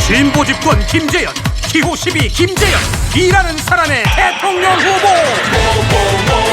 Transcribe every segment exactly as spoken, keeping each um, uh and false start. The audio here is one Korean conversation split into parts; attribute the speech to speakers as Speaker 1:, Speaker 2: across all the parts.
Speaker 1: 진보 집권 김재현, 기호 십이 김재현, 일하는 사람의 대통령 후보.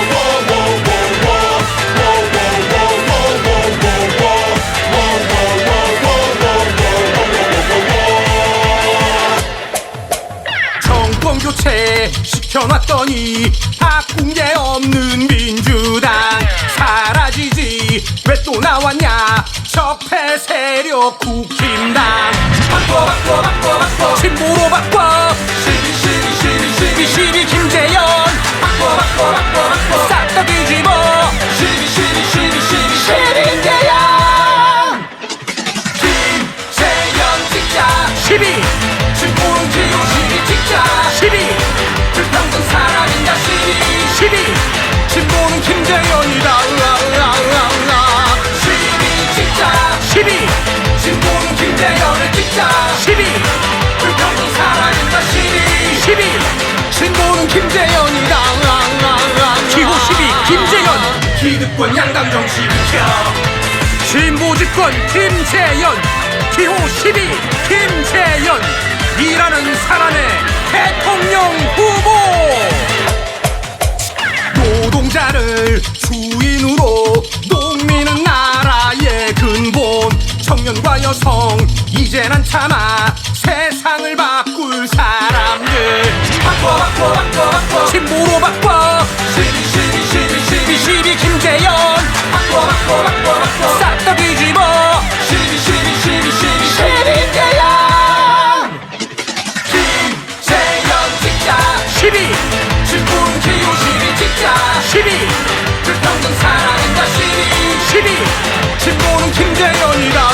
Speaker 1: 정권 교체 시켜놨더니 바꾼 게 없는 민주당 사라지지 왜 또 나왔냐 적폐 세력 국힘당. 바꿔 바꿔 바꿔 바꿔 진보로 바꿔 십이 십이 십이 십이 십이 김재현. 바꿔 바꿔 바꿔 바꿔 싹 다 뒤집어 십이 십이 십이 십이 십이 김재현. 김재현 찍자 십이 진보는 기호 십이 찍자 십이 불평등 사람인가 십이 십이 진보는 김재현이다 십이 찍자 십이 진보는 김재현을 찍자 십이 불평등 사람인가 십이 십이 진보는 김재현이다 기호 십이 김재현. 기득권 양당 정치 비켜 진보 집권 김재현, 기호 십이 김재현, 일하는 사람의 대통령 후보. 노동자를 주인으로 농민은 나라의 근본. 청년과 여성 이제 난 참아 세상을 바꿀 사람들. 바꿔 바꿔 바꿔 바꿔 진보로 바꿔 십이 십이 십이 십이 십이 김재현. 바꿔 바꿔 바꿔 바꿔 싹 다 뒤집어 십이 십이 십이 십이 십이 김재현. 김재현 찍자 십이 진보는 기호 십이 찍자 십이 불평등 사랑인가 십이 십이 진보는 김재현이다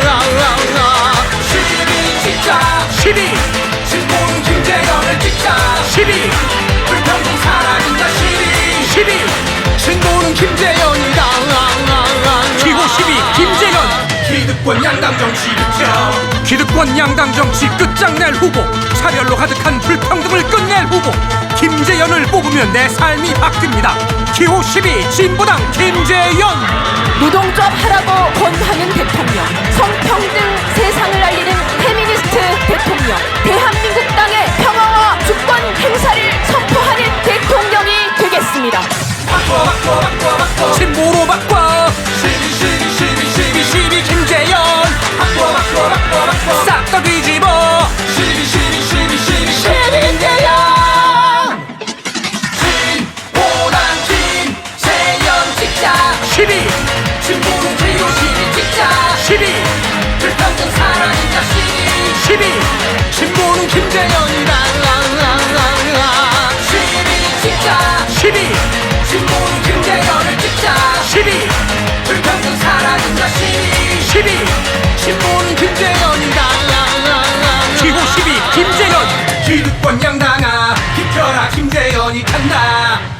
Speaker 1: 십이 찍자 십이 진보는 김재현을 찍자 십이 불평등 사랑인가 십이 십이 진보는 김재현이다 기호 십이 김재현. 기득권 양당 정치 비켜 기득권 양당 정치 끝장낼 후보. 차별로 가득한 불평등을 끝낼 후보 김재현을 뽑으면 내 삶이 바뀝니다. 기호 십이 진보당 김재현.
Speaker 2: 노동조합 하라고 권하는 대통령, 성평등 세상을 알리는 페미니스트 대통령, 대한민국 땅의 평화와 주권 행사를 선포하는 대통령이 되겠습니다.
Speaker 1: 바꿔 바꿔 바꿔 바꿔 진보로 바꿔 십이 십이 십이 십이 십이 김재현. 바꿔 바꿔 바꿔 바꿔 싹 다 뒤집어 십이 십이 십이 십이 십이 김재현. 진보당 김재현 찍자 십이 진보는 기호 십이 찍자 십이 불평등 사랑인가 십이 십이 진보는 김재현이다 십이 찍자 십이 진보는 김재현을 찍자 십이 불평등 사랑인가 십이 십이 진보는 김재현이다 기호 십이 김재현. 기득권 양당아 비켜라 김재현이 간다.